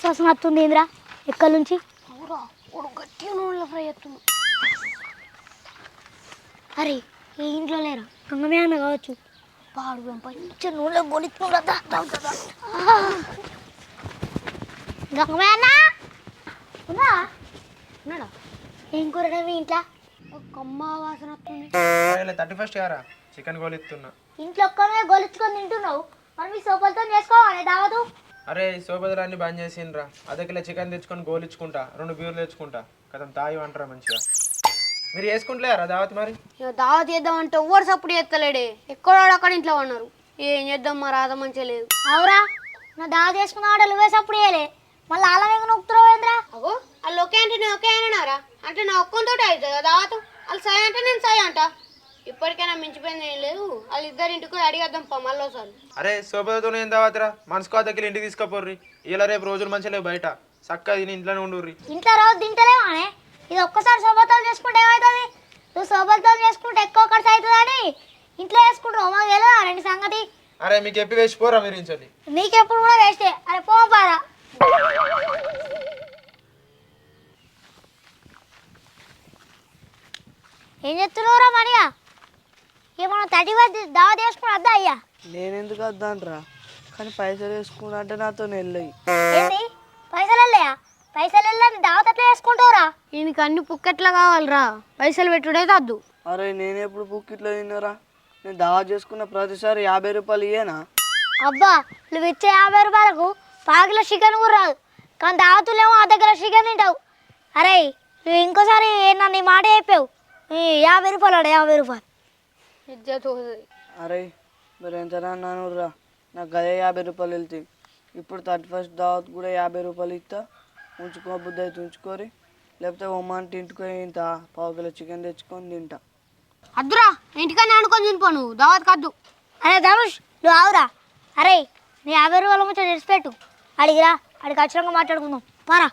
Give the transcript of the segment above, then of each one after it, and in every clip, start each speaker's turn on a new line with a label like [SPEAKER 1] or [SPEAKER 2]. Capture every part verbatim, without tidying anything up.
[SPEAKER 1] వాసన వస్తుంది ఏంద్రా ఎక్కడి నుంచి?
[SPEAKER 2] అవురా వాడు గట్టిగా నూనెలో ఫ్రై చేస్తున్నాడు.
[SPEAKER 1] అరే ఈ ఇంట్లో లేరా గంగమే అన్న కావచ్చు. పాడు పంచ నూనెలో గొలుచుకుంటా గంగమే అన్న ఉన్నా ఉన్నాడా? ఏం కూరడా మీ ఇంట్లో?
[SPEAKER 2] కమ్మ వాసన వస్తుంది.
[SPEAKER 3] థర్టీ ఫస్ట్ యారా చికెన్ గోలిస్తున్నా.
[SPEAKER 1] ఇంట్లో ఒక్కనే గొలుచుకొని తింటున్నావు, మరి మీ సోపలతో చేసుకోవాలి దావదు.
[SPEAKER 3] అరే సోపదలన్నీ బంద్ చేసిండ్రా. అదే కిలో చికెన్ తెచ్చుకొని గోలిచ్చుకుంటా, రెండు బీర్లు తెచ్చుకుంటా కదా తాగి అంటారా మంచిగా. మీరు వేసుకుంటలేరా దావత్? మరి
[SPEAKER 2] ఇక దావత్ చేద్దామంటే ఎవరు సప్పుడు చేస్తలేడే, ఎక్కడో అక్కడ ఇంట్లో ఉన్నారు. ఏం చేద్దాం మా రాధ మంచిగా లేదు.
[SPEAKER 1] అవురా నా దావ చేసుకున్న ఆడలు వేసప్పుడు వేయలే, మళ్ళీ అలా వేగ నొక్కుతున్నావు ఏంద్రా?
[SPEAKER 2] అగో వాళ్ళు ఒకే అంటే నేను ఒకే అన్నారా? అంటే నా ఒక్కంతో అవుతుంది దావత్. వాళ్ళు సై అంటే నేను సై అంట. ఇప్పటికైనా మించిపోయింది ఏం లేదు. వాళ్ళు ఇద్దరు ఇంటికి అడిగేద్దాం పా మళ్ళీ ఒకసారి.
[SPEAKER 3] అరే సోపదతో ఏం దావతరా? మనసుకో దగ్గర ఇంటికి తీసుకుపోర్రి. ఇలా రేపు రోజులు మంచిగా లేవు, బయట చక్కగా తిని ఇంట్లోనే ఉండుర్రి.
[SPEAKER 1] ఇంట్లో రోజు తింటలేవానే, ఇది ఒక్కసారి సోబతలు చేసుకుంటే ఏమవుతుంది? నువ్వు సోబతలు చేసుకుంటే ఎక్కువ ఖర్చు అవుతుందని ఇంట్లో వేసుకుంటావు. మాకు ఎలా రెండు సంగతి.
[SPEAKER 3] అరే మీకు ఎప్పి వేసిపోరా మీరు ఇంచండి.
[SPEAKER 1] నీకెప్పుడు కూడా వేస్తే అరే పోపారా. ఏం చెప్తున్నావురా మనియా? ఏమన్నా థర్టీ వద్ద దావా చేసుకుని వద్దా అయ్యా?
[SPEAKER 4] నేనెందుకు వద్దాంట్రా, కానీ పైసలు వేసుకున్నా అంటే నాతో వెళ్ళయి.
[SPEAKER 1] ఏంది పైసలు వెళ్ళయా? పైసలు వెళ్ళని దావత్ ఎట్లా వేసుకుంటావురా?
[SPEAKER 2] ఈయనకి అన్ని పుక్కెట్లా కావాలిరా, పైసలు పెట్టుడైతే వద్దు.
[SPEAKER 4] అరే నేను ఎప్పుడు బుక్కిట్లో తిన్నారా? నేను దావా చేసుకున్న ప్రతిసారి యాభై రూపాయలు ఇయ్యేనా?
[SPEAKER 1] అబ్బా నువ్వు ఇచ్చే యాభై రూపాయలకు పాకిలో చికెన్ కూడా రాదు, కానీ దావతులేమో ఆ దగ్గర చికెన్ తింటావు. అరే నువ్వు ఇంకోసారి నన్ను ఈ మాట చెప్పావు, యాభై రూపాయలు అడ యాభై రూపాయలు
[SPEAKER 2] ఇజ్జత్ పోతుంది.
[SPEAKER 4] అరే మరి ఎంతనా అన్నాను రా, నాకు గదే యాభై రూపాయలు వెళ్తాయి. ఇప్పుడు థర్టీ ఫస్ట్ దావత్ కూడా యాభై రూపాయలు ఇస్తా, ఉంచుకో బుద్ధి అయితే ఉంచుకోరి, లేకపోతే ఒమ్మాని తింటుకొని ఇంత పావు కిలో చికెన్ తెచ్చుకొని తింటా.
[SPEAKER 2] అద్దురా ఇంటికన్నా అనుకొని తినిపో, నువ్వు దావత్ కద్దు.
[SPEAKER 1] అరే ధనుష్ నువ్వు ఆవురా. అరే నీ యాభై రూపాయల ముచ్చట తెచ్చిపెట్టు, అడిగిరా అడిగి ఖచ్చితంగా మాట్లాడుకుందాం పారా.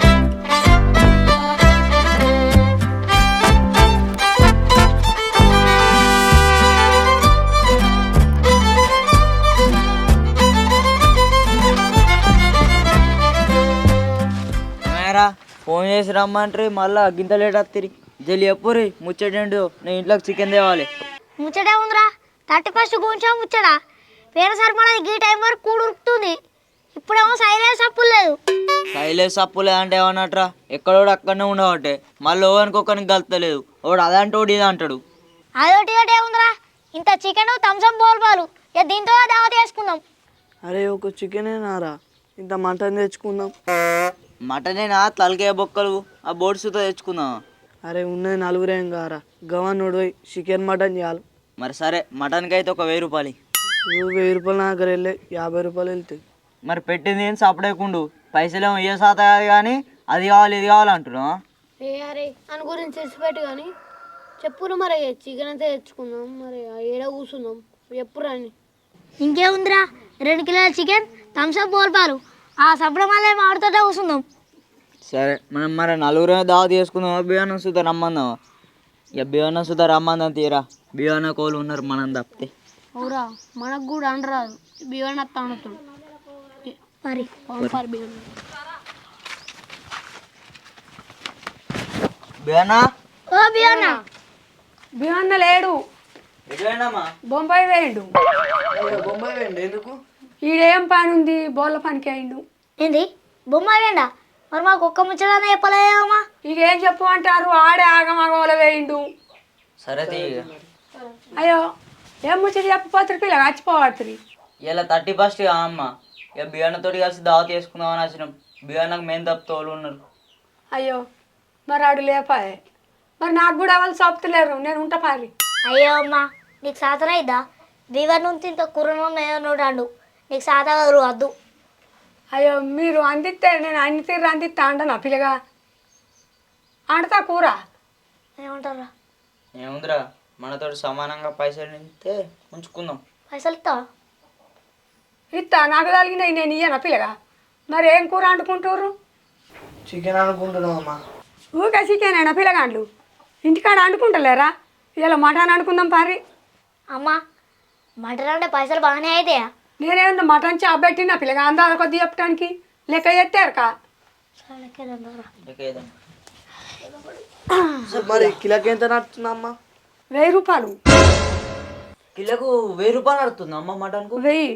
[SPEAKER 5] ఫోన్ చేసి రమ్మంటారు, మళ్ళా గింత లేట్ వస్తుంది. జల్లి ఎప్పురి ముచ్చటేండు, నేను ఇంట్లోకి చికెన్ తేవాలి.
[SPEAKER 1] ముచ్చటే ఉందిరా, థర్టీ ఫస్ట్ గుంచా ముచ్చడా. వేరే సరిపడది గీ టైం వరకు కూడు ఉరుకుతుంది, ఇప్పుడేమో సైలెన్స్ సప్పులు లేదు.
[SPEAKER 5] సైలెన్స్ సప్పులే అంటే ఏమన్నట్రా, ఎక్కడోడు అక్కడనే ఉండవట్టే, మళ్ళీ ఓవనుకోకనికి కలుతలేదు. వాడు అదంటే ఇది అంటాడు.
[SPEAKER 1] అదొకటి ఒకటి ఏముందిరా, ఇంత చికెన్ థమ్స్అప్ బోల్పాలు, ఇక దీంతో దావత్ చేసుకుందాం.
[SPEAKER 4] అరే ఒక చికెనేనారా, ఇంత మటన్ తెచ్చుకుందాం.
[SPEAKER 5] మటనేనా తలకాయ బొక్కలు ఆ బోర్డ్స్తో తెచ్చుకుందాం.
[SPEAKER 4] అరే ఉన్నది నలుగురేం కారా, గవన్ పోయి చికెన్ మటన్ చాలు.
[SPEAKER 5] మరి సరే మటన్కి అయితే ఒక వెయ్యి రూపాయలు.
[SPEAKER 4] నువ్వు వెయ్యి రూపాయలు నా దగ్గర వెళ్ళే యాభై రూపాయలు వెళ్తాయి.
[SPEAKER 5] మరి పెట్టింది ఏం సపడేకుండు, పైసలేమో ఏ శాత కాదు కానీ అది కావాలి ఇది కావాలి అంటున్నావా?
[SPEAKER 2] ఏ అరే అని గురించి తెలిసిపెట్టు కానీ చెప్పురు మరి, చికెన్ అయితే తెచ్చుకుందాం. మరి ఏడ కూర్చుందాం ఎప్పుడు అని.
[SPEAKER 1] ఇంకేముందిరా, రెండు కిలోల చికెన్ థమ్స్అప్ బోల్పాలు, ఆ సబ్బుల మళ్ళీ మాడుతోటే కూర్చుందాం.
[SPEAKER 5] సరే మనం మరి నలుగురు దావా తీసుకుందాం. బియ్యానం సుధా రమ్మందాం. ఇక బియ్యానం సుధా రమ్మందాం తీరా, బియ్యాన కోళ్ళు ఉన్నారు మనం తప్పితే.
[SPEAKER 2] అవురా మనకు కూడా అనరాదు, బియ్యం అత్త అనుతాడు
[SPEAKER 1] మరి
[SPEAKER 2] బియ్యం.
[SPEAKER 5] బియ్యానా
[SPEAKER 1] ఓ బియ్యన్నా.
[SPEAKER 6] బియ్యన్న లేడు, బొంబాయి వేయండు.
[SPEAKER 4] బొంబాయి వేయండి ఎందుకు?
[SPEAKER 6] ఈడేం పని ఉంది, బోళ్ళ పనికి అయిండు.
[SPEAKER 1] ఏంది బొమ్మ వేయండా? మరి మాకు ఒక్క ముచ్చటనే చెప్పలేదమ్మా.
[SPEAKER 6] ఇక ఏం చెప్పు అంటారు, ఆడే ఆగమగోల వేయిండు.
[SPEAKER 5] సరే
[SPEAKER 6] అయ్యో ఏం ముచ్చట చెప్పపోతారు, పిల్లగా వచ్చిపోవాలి.
[SPEAKER 5] ఇలా థర్టీ ఫస్ట్ అమ్మ, ఇక బియ్యానతో కలిసి దావా తీసుకుందామని వచ్చినాం. బియ్యానకు మేము తప్ప తోలు ఉన్నారు.
[SPEAKER 6] అయ్యో మరి ఆడు లేపాయే, మరి నాకు కూడా వాళ్ళు చెప్తలేరు, నేను ఉంటా పాలి.
[SPEAKER 1] అయ్యో అమ్మా నీకు సాతన అయిద్దా? దివర్ నుంచి ఇంత కుర్రను ఏదోడు నీకు సాత కదరు వద్దు.
[SPEAKER 6] అయ్యో మీరు అందిస్తే నేను అన్ని తీరు అందిస్తా అంట నా పిల్లగా అంటతా కూర.
[SPEAKER 1] ఏమంటారా?
[SPEAKER 5] ఏముందిరా మనతో సమానంగా పైసలు ఇస్తే ఉంచుకుందాం.
[SPEAKER 1] పైసలు ఇస్తావా?
[SPEAKER 6] ఇస్తా, నాకు తగిలినాయి నేను ఇయ్యనా పిల్లగా. మరి ఏం కూర అంటుకుంటారు?
[SPEAKER 4] చికెన్ అనుకుంటున్నాం అమ్మా.
[SPEAKER 6] ఊకే చికెన్ అయినా పిల్లగాండ్లు ఇంటికాడ అంటుకుంటలేరా? ఇలా మటన్ అనుకుందాం పారి.
[SPEAKER 1] అమ్మా మటన్ అంటే పైసలు బాగానే అవుతాయా?
[SPEAKER 6] నేనేమన్నా మటన్ చాప్ పెట్టినా పిల్లగా అందా కొద్ది చెప్పడానికి. లెక్క ఎత్తారు కా
[SPEAKER 4] మరి కిలోకి ఎంత నడుతుంది అమ్మ?
[SPEAKER 6] వెయ్యి రూపాయలు
[SPEAKER 5] కిలోకు వెయ్యి రూపాయలు నడుతుంది అమ్మ మటన్కు.
[SPEAKER 6] వెయ్యి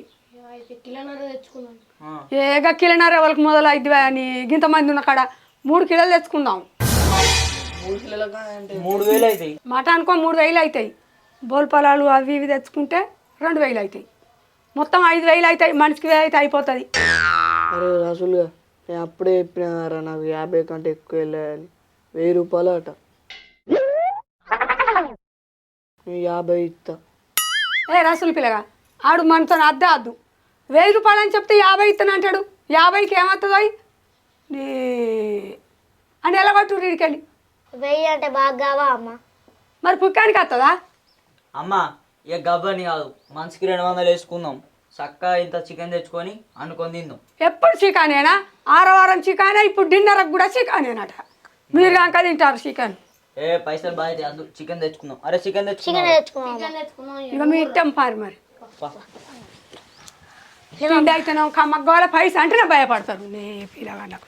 [SPEAKER 5] ఆ.
[SPEAKER 6] ఏగా కిలోన్నర వాళ్ళకి మొదలు అయితే అని ఇంతమంది ఉన్న కాడ మూడు కిలోలు తెచ్చుకుందాం.
[SPEAKER 4] మూడు కిలోలకా అంటే
[SPEAKER 5] మూడు వేలు అవుతాయి.
[SPEAKER 6] మటానుకో మూడు వేలు అవుతాయి. బోల్పలాలు అవి ఇవి తెచ్చుకుంటే రెండు వేలు అవుతాయి. మొత్తం ఐదు వేలు అవుతాయి. మనిషికి వేలు అయితే అయిపోతుంది.
[SPEAKER 4] అరే రసూలుగా నేను అప్పుడే చెప్పినారా నాకు యాభై కంటే ఎక్కువ వెళ్ళాయని. వెయ్యి రూపాయలు అట. నేను యాభై ఇస్తా.
[SPEAKER 6] ఏ రసులు పిల్లగా ఆడు మనతో అద్దే అద్దు. వెయ్యి రూపాయలు అని చెప్తే యాభై ఇస్తాను అంటాడు. యాభైకి ఏమవుతుందో నీ అని ఎలా పట్టు వీడికెళ్ళి.
[SPEAKER 1] వెయ్యి అంటే బాగా కావా అమ్మ?
[SPEAKER 6] మరి పుక్కానికి వస్తుందా?
[SPEAKER 5] అమ్మ ఇక గబ్బని కాదు, మనిషికి రెండు వందలు వేసుకుందాం. చక్కగా ఇంత చికెన్ తెచ్చుకొని అనుకొని తిందాం.
[SPEAKER 6] ఎప్పుడు చికానేనా? ఆరవారం చికానే, ఇప్పుడు డిన్నర్కి కూడా చికానేనట. మీరు కనుక తింటారు చికెన్.
[SPEAKER 5] ఏ పైసలు బాగా అందు చికెన్ తెచ్చుకుందాం. అరే చికెన్
[SPEAKER 1] చికెన్
[SPEAKER 5] తెచ్చుకుందాం.
[SPEAKER 1] తెచ్చుకున్నాం.
[SPEAKER 6] ఇక మీ ఇష్టం పారి మరి తిండి అయితేనే కమ్మగోళ పైస అంటేనే భయపడతారు నే పిల్లగా నాకు.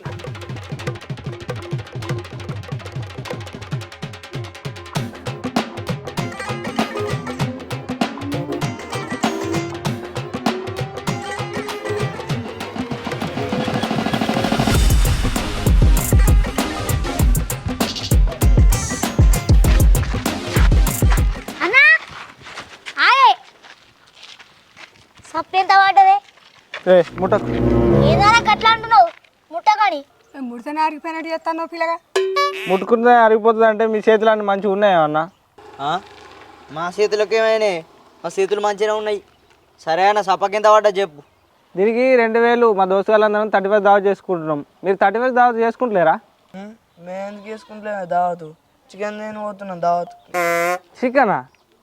[SPEAKER 1] అన్నా ఆగే సప్పు ఎంత పడ్డదే?
[SPEAKER 3] ఏ ముట్టకు.
[SPEAKER 1] ఏదైనా గట్లా అంటున్నావు ముట్టగాని.
[SPEAKER 6] ముడితేనే అరిగిపోయినట్టు చేస్తాను పిల్లగా.
[SPEAKER 3] ముట్టుకుంటే అరిగిపోతుంది అంటే మీ చేతులు అన్నీ మంచిగా ఉన్నాయా అన్న?
[SPEAKER 5] ఆ? మా చేతులకు ఏమైనా? మా చేతులు మంచిగా ఉన్నాయి. సరే అన్న సప్పకి ఎంత పడ్డా చెప్పు.
[SPEAKER 3] దీనికి రెండు వేలు మా దోస్తు వాళ్ళందరం థర్టీ ఫైవ్ దావత్ చేసుకుంటున్నాం. మీరు థర్టీ ఫైవ్ దావత్ చేసుకుంటలేరా?
[SPEAKER 4] మేము ఎందుకు చేసుకుంటలే దావతు. చికెన్ నేను పోతున్నాను దావత్.
[SPEAKER 3] చికెనా?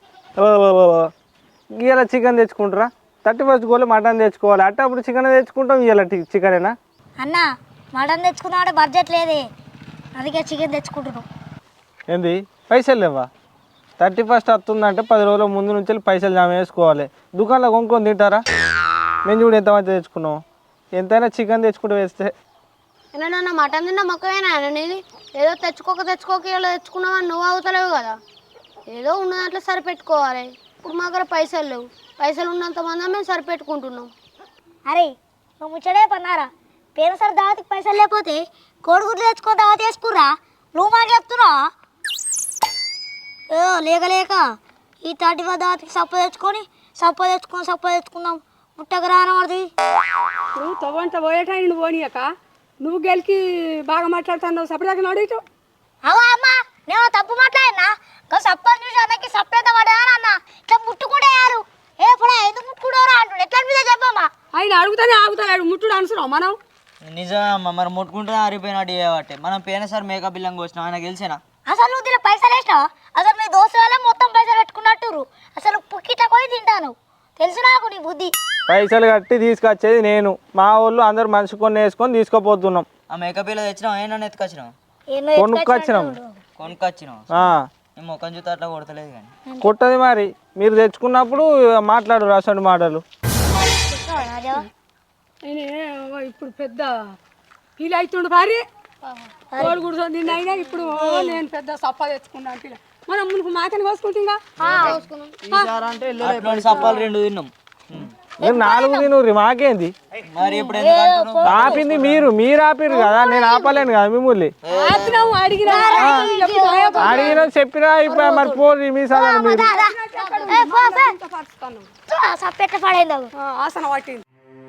[SPEAKER 3] ఇవాళ చికెన్ తెచ్చుకుంటారా? థర్టీ ఫస్ట్ గోలు మటన్ తెచ్చుకోవాలి. అంటే అప్పుడు చికెన్ తెచ్చుకుంటాం. ఇవాళ చికెనేనా?
[SPEAKER 1] అన్న మటన్ తెచ్చుకుందాం అంటే బడ్జెట్ లేదే, అందుకే చికెన్ తెచ్చుకుంటున్నాం.
[SPEAKER 3] ఏంది పైసలు లేవా? థర్టీ ఫస్ట్ వస్తుందంటే పది రోజుల ముందు నుంచి పైసలు జమ వేసుకోవాలి. దుకాణంలో కొనుక్కొని తింటారా? మేము చూడు ఎంత మంచి తెచ్చుకున్నాం. ఎంతైనా చికెన్ తెచ్చుకుంటూ వేస్తే
[SPEAKER 2] ఏమన్నా మటన్ తిన్న మొక్కవేనా నీది? ఏదో తెచ్చుకోక తెచ్చుకోక ఇలా తెచ్చుకున్నావని నువ్వు అవుతలేవు కదా. ఏదో ఉన్న దాంట్లో సరిపెట్టుకోవాలి. ఇప్పుడు మా దగ్గర పైసలు లేవు. పైసలు ఉన్నంత మంది మేము సరిపెట్టుకుంటున్నాం.
[SPEAKER 1] అరే నువ్వు ముచ్చడే పన్నారా? పేరు సార్ దావతికి పైసలు లేకపోతే కోడిగుడ్లు తెచ్చుకో దావతి వేసుకురా. నువ్వు మాట చెప్తున్నావా? ఏ లేక లేక ఈ థర్టీ ఫైవ్ దావతికి సప్ప తెచ్చుకొని సప్ప తెచ్చుకొని సప్ప తెచ్చుకుందాం. ముట్టకు రానవాడిది.
[SPEAKER 6] నువ్వు తవ్వంట పోయేటాయి నువ్వు పోనీయక. నువ్వు గెలికి బాగా మాట్లాడుతున్నావు. సపరేట్గా నడిచు.
[SPEAKER 1] అవా అమ్మ నేను తప్పు మాట్లాడినా? సప్పని చూసి అన్నకి సప్పేత పడేదా అన్న. ఇట్లా ముట్టుకుంటేయారు. ఏ ఇప్పుడు ఎందుకు ముట్టుకుంటారా అంటుండే. ఎట్లా మీద చెప్పమ్మా.
[SPEAKER 6] ఆయన అడుగుతానే ఆగుతాడు. ముట్టుడు అనుసరం మనం.
[SPEAKER 5] నిజమమ్మా, మరి ముట్టుకుంటే అరిపోయినట్టు చేయబట్టే మనం పోయినసారి మేకప్ బిల్లం కోసినాం. ఆయన గెలిచేనా?
[SPEAKER 1] అసలు నువ్వు దీని పైసలు వేసినావా? అసలు మీ దోస్తు వల్ల మొత్తం పైసలు పెట్టుకున్నట్టురు. అసలు పుక్కిట పోయి తింటాను. తెలుసు నాకు నీ బుద్ధి.
[SPEAKER 3] పైసలు కట్టి తీసుకొచ్చేది నేను. మా ఊళ్ళో అందరు మనిషి కొన్ని వేసుకొని తీసుకుపోతున్నాం.
[SPEAKER 5] ఆ మేకప్ బిల్ల తెచ్చినాం. ఏమన్నా ఎత్తుకొచ్చినాం?
[SPEAKER 1] ఏమో
[SPEAKER 3] కొనుక్కొచ్చినాం.
[SPEAKER 5] కొనుక్కొచ్చినాం.
[SPEAKER 3] ఆ,
[SPEAKER 5] నేను మొక్కం చూస్తే అట్లా కొడతలేదు కానీ.
[SPEAKER 3] కొట్టది మరి. మీరు తెచ్చుకున్నప్పుడు మాట్లాడు రాసండి మాటలు.
[SPEAKER 6] ఆయన ఇప్పుడు పెద్ద ఫీల్ అవుతుండు భారీ. కోడి కూర్చొని తిన్న అయినా ఇప్పుడు నేను పెద్ద సప్ప తెచ్చుకున్నాను పిల్ల. మనం మునుకు మాకని కోసుకుంటుందా?
[SPEAKER 4] ఈసారి అంటే
[SPEAKER 5] అట్లాంటి సప్పాలు రెండు తిన్నాం.
[SPEAKER 3] మీరు నాలుగు తినూరి మాకేంది?
[SPEAKER 5] మరి ఇప్పుడు ఎందుకు అంటున్నావు?
[SPEAKER 3] ఆపింది మీరు. మీరు ఆపిరు కదా, నేను ఆపలేను కదా మిమ్మల్ని.
[SPEAKER 6] ఆపినావు అడిగినా
[SPEAKER 3] అడిగిన చెప్పినా ఇప్పుడు మరి పోరు మీ సార్ మీరు.
[SPEAKER 1] సప్పెట్ల పడైంది.
[SPEAKER 6] ఆసన పట్టింది.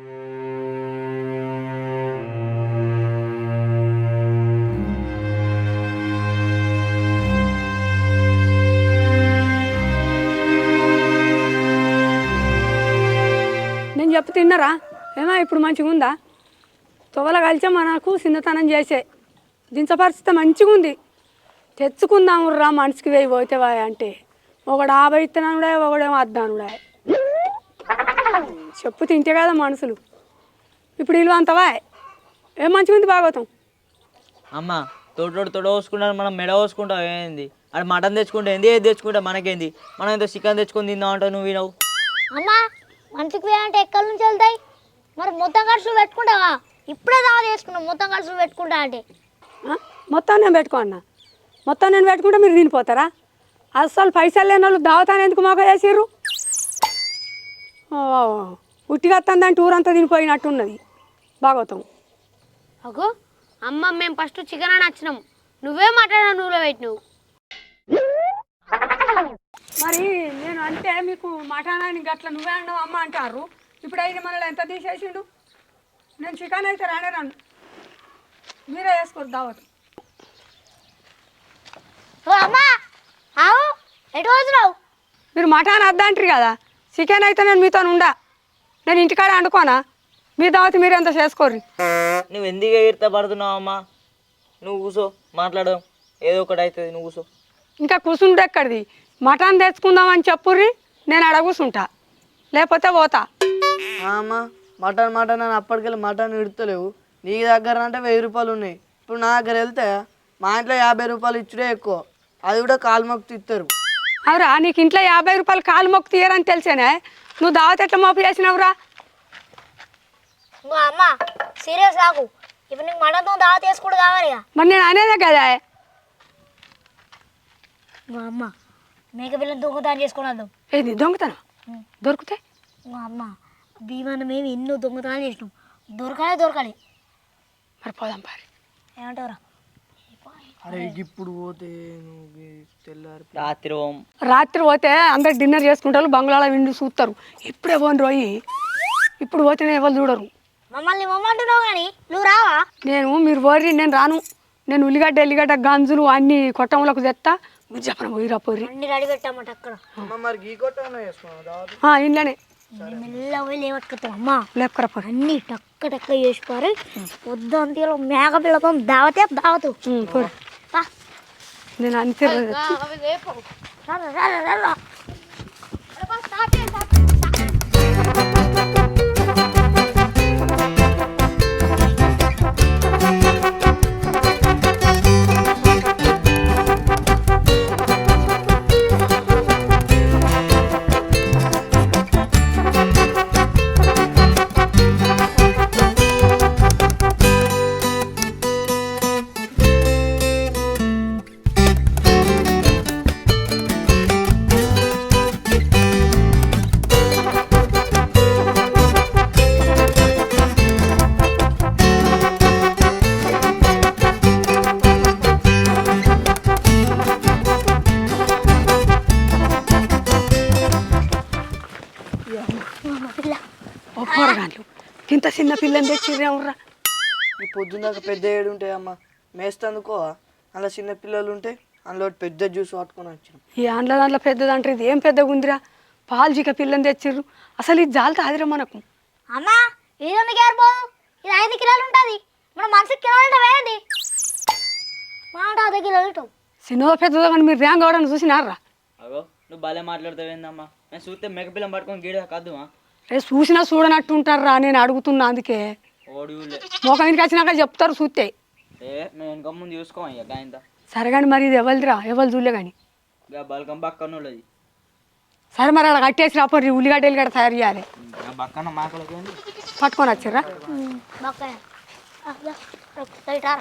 [SPEAKER 6] నేను చెప్పు తిన్నారా? ఏమో ఇప్పుడు మంచిగా ఉందా? తొవల కలిసే మనకు చిన్నతనం చేసే దించ పరిస్థితి మంచిగా ఉంది. తెచ్చుకుందాము రా మనిషికి వేయి పోతే వాయ అంటే ఒకడు ఆభై ఇత్తనానుడే, ఒకడేమో అద్దానుడే. చెప్పు తింటే కదా మనుషులు. ఇప్పుడు ఇల్లు అంతవా ఏం మంచిగా ఉంది భాగవతం.
[SPEAKER 5] అమ్మ తోటోడు తొడ పోసుకుంటాను, మనం మెడ పోసుకుంటావు. ఏంది అది మటన్ తెచ్చుకుంటే ఏంది, ఏది తెచ్చుకుంటా మనకేంది? మనం ఏదో చికెన్ తెచ్చుకొని తిందాం అంటావు నువ్వు. వినవు
[SPEAKER 1] అమ్మా మనిషికి వేయాలంటే ఎక్కడి నుంచి వెళ్తాయి? మరి మొత్తం ఖర్చులు పెట్టుకుంటావా? ఇప్పుడే దావత్ చేసుకున్నాం మొత్తం కలిసి పెట్టుకుంటా అంటే
[SPEAKER 6] ఆ? మొత్తం నేను పెట్టుకో అన్న మొత్తం నేను పెట్టుకుంటే మీరు తినిపోతారా అసలు పైసలు లేని వాళ్ళు దావతాన్ని ఎందుకు మాకు చేసిర్రు ఉట్టిగా వస్తుందంటే ఊరంతా తినిపోయినట్టున్నది భాగవతం.
[SPEAKER 2] అగో అమ్మ మేము ఫస్ట్ చికెన్ అని వచ్చినాం నువ్వే మాట్లాడినా నువ్వులో పెట్టినావు.
[SPEAKER 6] మరి నేను అంటే మీకు మటానాన్ని గట్ల నువ్వే అన్నావు అమ్మ అంటారు. ఇప్పుడు అయితే మనల్ని ఎంత తీసేసిండు. నేను చికెన్ అయితే రానే రాను, మీరే వేసుకోరు దావత్.
[SPEAKER 1] ఓ అమ్మా ఆవు ఎటు వచ్చినావు?
[SPEAKER 6] మీరు మటాన్ వద్దంటారు కదా, చికెన్ అయితే నేను మీతో ఉండా, నేను ఇంటికాడ వండుకోనా, మీ దావత్ మీరు ఎంత చేసుకోర్రి.
[SPEAKER 5] నువ్వు ఎందుకు ఎగిరితే పడుతున్నావు అమ్మా? నువ్వు కూసో, మాట్లాడదాం, ఏదో ఒకటి అవుతుంది, నువ్వు కూసో.
[SPEAKER 6] ఇంకా కూర్చుంటే ఎక్కడిది, మటన్ తెచ్చుకుందామని చెప్పుర్రి, నేను అడ కూర్చుంటా, లేకపోతే పోతా.
[SPEAKER 4] అమ్మ మటన్ మటన్ అని అప్పటికెళ్ళి మటన్ ఇడతలేవు. నీ దగ్గర అంటే వెయ్యి రూపాయలు ఉన్నాయి. ఇప్పుడు నా దగ్గర వెళ్తే మా ఇంట్లో యాభై రూపాయలు ఇచ్చుడే ఎక్కువ, అది కూడా కాలు మొక్కు ఇస్తారు.
[SPEAKER 6] అవురా, నీకు ఇంట్లో యాభై రూపాయలు కాలు మొక్కు తీయరని తెలిసేనే నువ్వు దావత్ ఎట్లా మోపు చేసినవురా?
[SPEAKER 1] ఇంకో అమ్మ సీరియస్ కాకు, ఇప్పుడు నీకు మటన్తో దావత్ చేసుకుంటూ కావాలి ఇక.
[SPEAKER 6] మరి నేను అనేదే కదా.
[SPEAKER 1] ఇంకో అమ్మ మేక పిల్లలు దొంగతనం చేసుకుని వద్దాం.
[SPEAKER 6] ఏది దొంగతనం దొరికితే?
[SPEAKER 1] ఇంకో అమ్మ భీమాన మేము ఎన్నో దొంగతనాలు చేసినాం, దొరకాలి దొరకాలి.
[SPEAKER 6] మరి పోదాం పారి.
[SPEAKER 1] ఏమంటావురా?
[SPEAKER 4] అరే ఇప్పుడు పోతే నువ్వు తెల్లారి
[SPEAKER 5] రాత్రి ఓం
[SPEAKER 6] రాత్రి పోతే అందరు డిన్నర్ చేసుకుంటారు, బంగ్లాలో విండి చూస్తారు. ఇప్పుడే పోను రోయి, ఇప్పుడు పోతేనే ఎవరు చూడరు.
[SPEAKER 1] మమ్మల్ని మమ్మంటున్నావు కానీ నువ్వు రావా?
[SPEAKER 6] నేను మీరు పోర్రి, నేను రాను. నేను ఉల్లిగడ్డ ఎల్లిగడ్డ గంజులు అన్ని కొట్టంలోకి తెస్తా, మీరు చెప్పన పోయిరా పోర్రి.
[SPEAKER 1] అన్ని రెడీ పెట్టామట అక్కడ.
[SPEAKER 4] అమ్మ మరి గీ కొట్టనే చేసుకున్నావు దావత్?
[SPEAKER 6] ఇంట్లోనే
[SPEAKER 1] మెల్ల పోయి లేవట్టుకుతాం అమ్మ,
[SPEAKER 6] లేపకరా పోర్రి.
[SPEAKER 1] అన్ని టక్క టక్క చేసుకోరు. పొద్దుంతలో మేక పిల్లతో దావతే దావతు.
[SPEAKER 6] పోర్రి, నేను అంతే. పోరగాళ్ళు ఇంత చిన్న పిల్లని తెచ్చిర్రా.
[SPEAKER 4] ఈ పొద్దున్నాక పెద్ద ఏడు ఉంటాయి అమ్మ, మేస్తందుకో అలా చిన్న పిల్లలు ఉంటే అందులో పెద్ద జ్యూస్ పట్టుకొని వచ్చినాం.
[SPEAKER 6] ఈ ఆండ్ల దాంట్లో పెద్దదంటారు, ఇది ఏం పెద్దగా ఉందిరా, పాలు జీక పిల్లని తెచ్చిర్రు. అసలు ఇది జాలతో ఆదిరా మనకు.
[SPEAKER 1] అమ్మా ఇది ఎందుకు ఏరిపోదు? ఇది ఐదు కిలోలు ఉంటుంది, మన మనిషికి కిలోలు ఉంటాం ఏంది? మాట ఐదు కిలోలు ఉంటాం.
[SPEAKER 6] చిన్నదో పెద్దదో కానీ మీరు ర్యాంక్ అవడానికి చూసినారా?
[SPEAKER 5] అగో నువ్వు భలే మాట్లాడతావేందమ్మా? నేను చూస్తే మెగపిల్లం పట్టుకొని గీడ కాదుమా?
[SPEAKER 6] రే చూసినా చూడనట్టు ఉంటారా, నేను అడుగుతున్నా అందుకే.
[SPEAKER 5] ఓడిలే
[SPEAKER 6] మోకం ఇంటికి వచ్చినాక చెప్తారు చూస్తే.
[SPEAKER 5] ఏ మేము వెనక ముందు చూసుకోమయ్యా గాయంత.
[SPEAKER 6] సరే కానీ మరి ఇది ఎవరిదిరా, ఎవరు చూడలే కానీ.
[SPEAKER 5] ఇక బలకం పక్కన వాళ్ళది.
[SPEAKER 6] సరే మరి అక్కడ కట్టేసి రాపోర్రి, ఉల్లిగడ్డ ఎల్లిగడ్డ తయారు చేయాలి.
[SPEAKER 5] పక్కన మాకలకి
[SPEAKER 6] పట్టుకొని వచ్చిర్రా.
[SPEAKER 1] బక్కాయ రైటారా.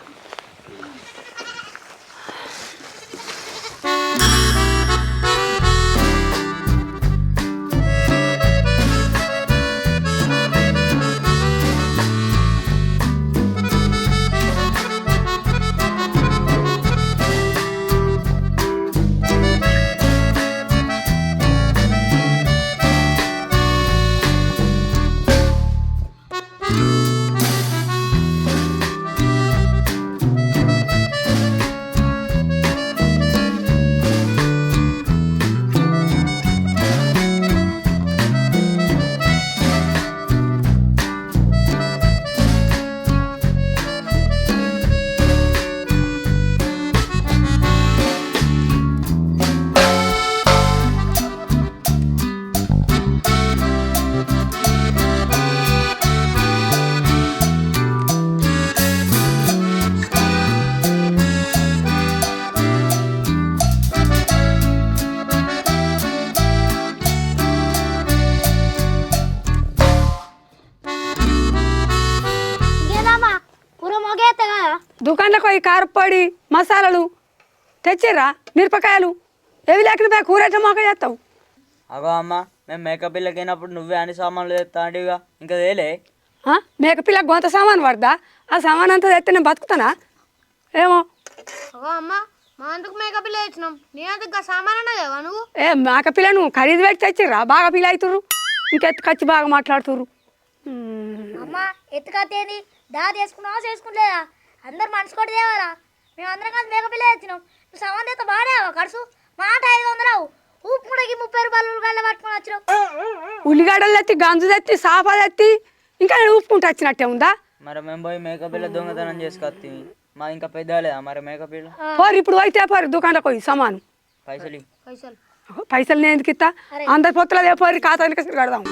[SPEAKER 6] కారపొడి మసాలాలు తెచ్చిర్రా మిరపకాయలు ఏవి లేకుండా కూర ఎట్లా మోక చేస్తావు
[SPEAKER 5] అగో అమ్మ మేము మేకప్ ఇళ్ళకి అయినప్పుడు నువ్వే అన్ని సామాన్లు తెస్తాంటివిగా ఇంకా తేలే
[SPEAKER 6] ఆ? మేకపిల్ల గొంత సామాన్ పడదా ఆ సామాన్ అంతా తెస్తే నేను బతుకుతానా ఏమో
[SPEAKER 2] అగో అమ్మ మా అందుకు మేకప్ పిల్ల తెచ్చినాం నీ అందుకు సామాన్ అన్నదేవా నువ్వు
[SPEAKER 6] ఏ మేకపిల్ల నువ్వు ఖరీదు పెట్టి తెచ్చిర్రా బాగా పిల్ల అవుతుర్రు ఇంకెత్తుకొచ్చి బాగా మాట్లాడుతుర్రు
[SPEAKER 1] అమ్మ ఎత్తుకత్తేంది దా చేసుకున్నావా చేసుకుంటలేదా అందరు మనసు కొట్టి తేవారా మేము అందరం కలిసి మేకపిల్ల తెచ్చినాం నువ్వు సమాన్ తెస్తే బాగానేవా ఖర్చు మాట ఐదు వందలు ఉప్పు ముడకి ముప్పై రూపాయలు ఉల్లిగడ్డ పట్టుకొని వచ్చినావు
[SPEAKER 6] ఉల్లిగడ్డలు తెత్తి గంజు తెత్తి సాఫా తెత్తి ఇంకా నేను ఊపుకుంటూ వచ్చినట్టే ఉందా
[SPEAKER 5] మరి మేము పోయి మేకప్ ఇళ్ళ దొంగతనం చేసుకొస్తాం మా ఇంకా పెద్దలేదా మరి మేకప్ ఇళ్ళ
[SPEAKER 6] పోరు ఇప్పుడు పోయితే పోరు దుకాణంలోకి పోయి సమాను
[SPEAKER 5] పైసలు ఇయ్యి.
[SPEAKER 2] పైసలు
[SPEAKER 6] పైసలు నేను ఎందుకు ఇస్తా అందరి పొత్తులు పోయి ఖాతానికి కడదాం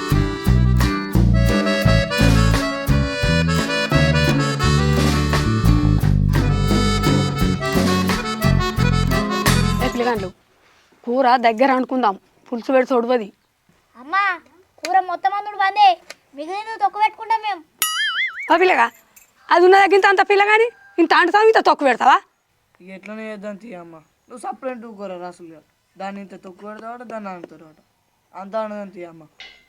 [SPEAKER 6] పిల్లగాండ్లు కూర దగ్గర అనుకుందాం పులుసు పెడి తొడవది
[SPEAKER 1] అమ్మ కూర మొత్తం అందుడు బందే మిగిలిన తొక్క పెట్టుకుంటాం మేము
[SPEAKER 6] ఆ పిల్లగా అది ఉన్న దగ్గర అంత పిల్లగాని ఇంత అంటుతావు ఇంత తొక్కు పెడతావా
[SPEAKER 4] ఇక ఎట్లనే చేద్దాం తీయమ్మ నువ్వు సపరేట్ కూర రాసులుగా దాన్ని ఇంత తొక్కు పెడతావాట దాన్ని అంటారు అంత అనదని తీయమ్మ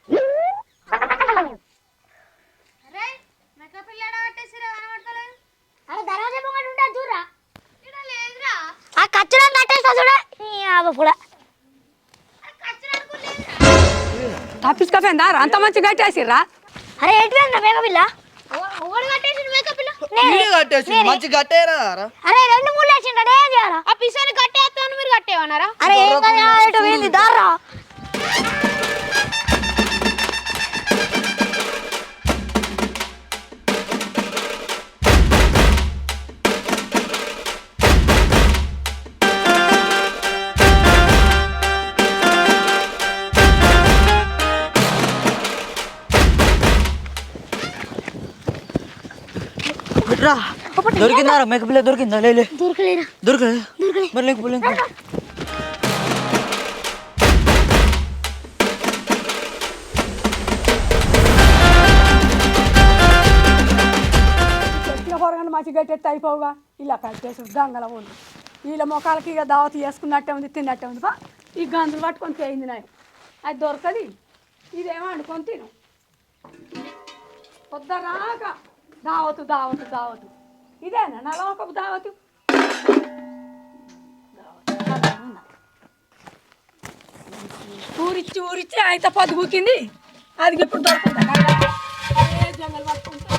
[SPEAKER 1] అరే దర్వాజా పొంగడు ఉంటాడు చూడరా ఆ కచ్చడం కట్టేస్తా చూడ కూడా
[SPEAKER 6] తప్పించుకోపోయిందా అంత మంచి గట్టేసిర్రా
[SPEAKER 1] అరే ఎటు మేకపిల్ల
[SPEAKER 4] కట్టేసి మంచి కట్టేరా
[SPEAKER 1] అరే రెండు మూడు వేసిండే ఏం చేయాలా
[SPEAKER 2] ఆ పిసాని కట్టేస్తాను మీరు కట్టేయమన్నారా
[SPEAKER 1] అరే ఏం కాదు ఇటు పోయింది దారా
[SPEAKER 5] రా దొరికిందా మేకప్ ఇళ్ళ దొరికిందా లే లే.
[SPEAKER 1] దొరకలేరా
[SPEAKER 5] దొరకలే మరి లేకపోలే
[SPEAKER 6] చెప్పిన పొరగండి మంచి గట్టెత్తి అయిపోవుగా ఇలా కట్టేసి గంగల ఉంది వీళ్ళ మొక్కలకి ఇక దావతి చేసుకున్నట్టే ఉంది తిన్నట్టే ఉంది బా ఈ గంజులు పట్టుకొని పోయింది నాయ అది దొరకది ఇదేమో వండుకొని తిను పొద్దురాక దావతు దావతు దావతు ఇదేనా నా లోకపు దావతు ఊరిచ్చి ఊరిచ్చి అయితే పొద్దుగుకింది అది ఇప్పుడు దొరుకుతుంది జంగల్ పట్టుకుంటా